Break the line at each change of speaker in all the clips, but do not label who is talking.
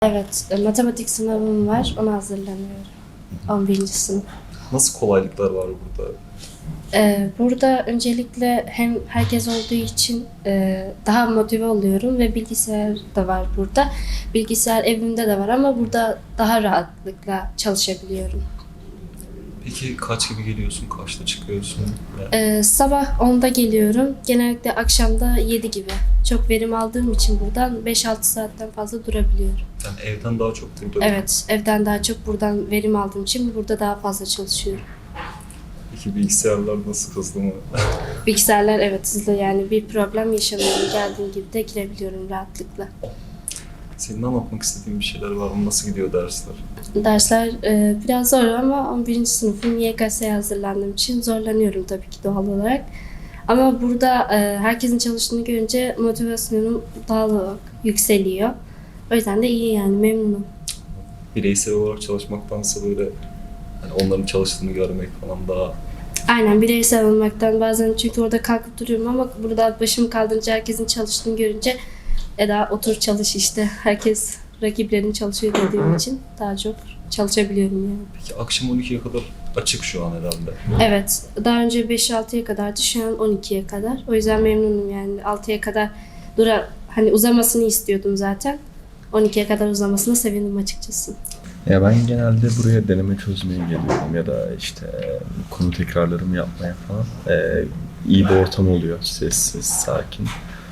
Evet, matematik sınavım var. Ona hazırlanıyorum. 11. sınıf.
Nasıl kolaylıklar var burada?
Burada öncelikle hem herkes olduğu için daha motive oluyorum ve bilgisayar da var burada. Bilgisayar evimde de var ama burada daha rahatlıkla çalışabiliyorum.
Peki kaç gibi geliyorsun, kaçta çıkıyorsun?
Sabah 10'da geliyorum. Genellikle akşamda 7 gibi. Çok verim aldığım için buradan 5-6 saatten fazla durabiliyorum.
Yani evden daha çok burada.
Evet, evden daha çok buradan verim aldığım için burada daha fazla çalışıyorum.
Peki bilgisayarlar nasıl, hızlı mı?
Bilgisayarlar evet hızlı, yani bir problem yaşamıyorum. Geldiğim gibi de girebiliyorum rahatlıkla.
Senin anlatmak istediğin bir şeyler var mı? Nasıl gidiyor dersler?
Dersler biraz zor ama 11. sınıfım, YKS'ye hazırlandığım için zorlanıyorum tabii ki doğal olarak. Ama burada herkesin çalıştığını görünce motivasyonum daha da yükseliyor. O yüzden de iyi, yani memnunum.
Bireysel olarak çalışmaktansa böyle hani onların çalıştığını görmek falan daha...
Aynen, bireysel olmaktan bazen, çünkü orada kalkıp duruyorum ama burada başım kaldırınca herkesin çalıştığını görünce Eda otur çalış işte. Herkes rakiplerin çalışıyor dediğim için daha çok çalışabiliyorum yani.
Peki akşam 12'ye kadar açık şu an herhalde.
Evet, daha önce 5-6'ya kadardı, şu an 12'ye kadar. O yüzden memnunum yani. 6'ya kadar hani uzamasını istiyordum zaten. 12'ye kadar uzamasına sevindim açıkçası.
Ya ben genelde buraya deneme çözmeye geliyorum ya da işte konu tekrarlarımı yapmaya falan. İyi bir ortam oluyor, sessiz, sakin.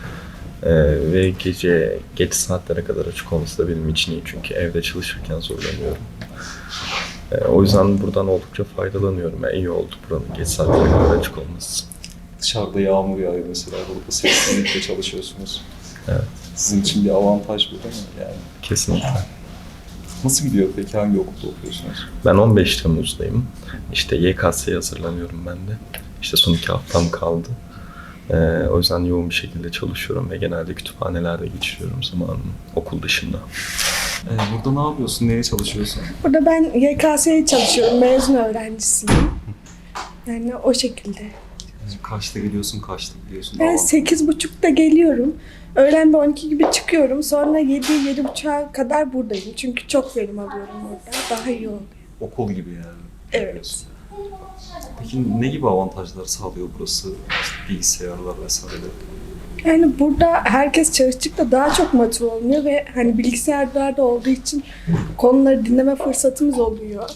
Ve gece geç saatlere kadar açık olması da benim için iyi, çünkü evde çalışırken zorlanıyorum. O yüzden buradan oldukça faydalanıyorum. Yani iyi oldu buranın geç saatlere kadar açık olması.
Dışarıda yağmur yağıyor mesela. Burada seslenmekle çalışıyorsunuz.
Evet.
Sizin için bir avantaj bu değil mi? Yani
Kesinlikle.
nasıl gidiyor peki? Hangi okulda okuyorsunuz?
Ben 15 Temmuz'dayım. İşte YKS'ye hazırlanıyorum ben de. İşte son 2 haftam kaldı. O yüzden yoğun bir şekilde çalışıyorum ve genelde kütüphanelerde geçiriyorum zamanımı okul dışında.
Burada ne yapıyorsun? Neye çalışıyorsun?
Burada ben YKS'ye çalışıyorum, mezun öğrencisiyim. Yani o şekilde.
Kaçta geliyorsun, kaçta gidiyorsun?
Ben 8.30'da geliyorum. Öğlen de 12 gibi çıkıyorum. Sonra 7-7.30'a kadar buradayım. Çünkü çok verim alıyorum burada. Daha iyi oluyor.
Okul gibi yani.
Evet.
Peki ne gibi avantajlar sağlıyor burası? İşte bilgisayarlar vesaire.
Yani burada herkes çalıştıkça daha çok motive oluyor ve hani bilgisayarlarda olduğu için konuları dinleme fırsatımız oluyor.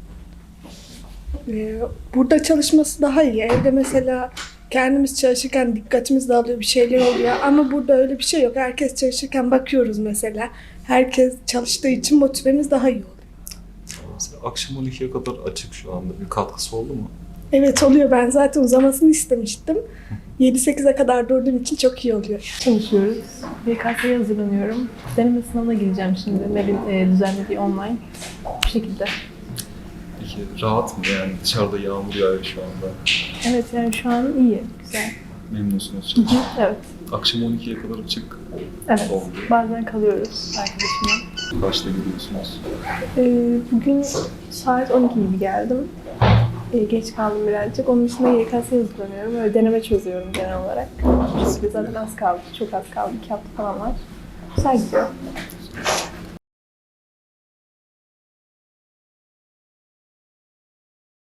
Burada çalışması daha iyi. Evde mesela kendimiz çalışırken dikkatimiz dağılıyor, bir şeyler oluyor. Ama burada öyle bir şey yok. Herkes çalışırken bakıyoruz mesela. Herkes çalıştığı için motivemiz daha iyi oluyor.
Mesela akşam 12'ye kadar açık şu anda. Bir katkısı oldu mu?
Evet oluyor. Ben zaten uzamasını istemiştim. 7-8'e kadar durduğum için çok iyi oluyor.
Çalışıyoruz. YKS'ye hazırlanıyorum. Deneme sınavına gireceğim şimdi. MEB'in düzenlediği online. Bu şekilde.
Peki rahat mı yani? Dışarıda yağmur yağıyor şu anda.
Evet, yani şu an iyi, güzel.
Memnunsunuz.
Evet,
Akşam 12'ye kadar açık
evet.
oldu.
Bazen kalıyoruz arkadaşımla.
Kaçta gidiyorsunuz?
Bugün saat 12 gibi geldim. Geç kaldım birazcık. Onun dışında YKS'ye hazırlanıyorum. Öyle deneme çözüyorum genel olarak. Çünkü zaten az kaldı, çok az kaldı. 2 hafta falan var. Güzel gidiyor.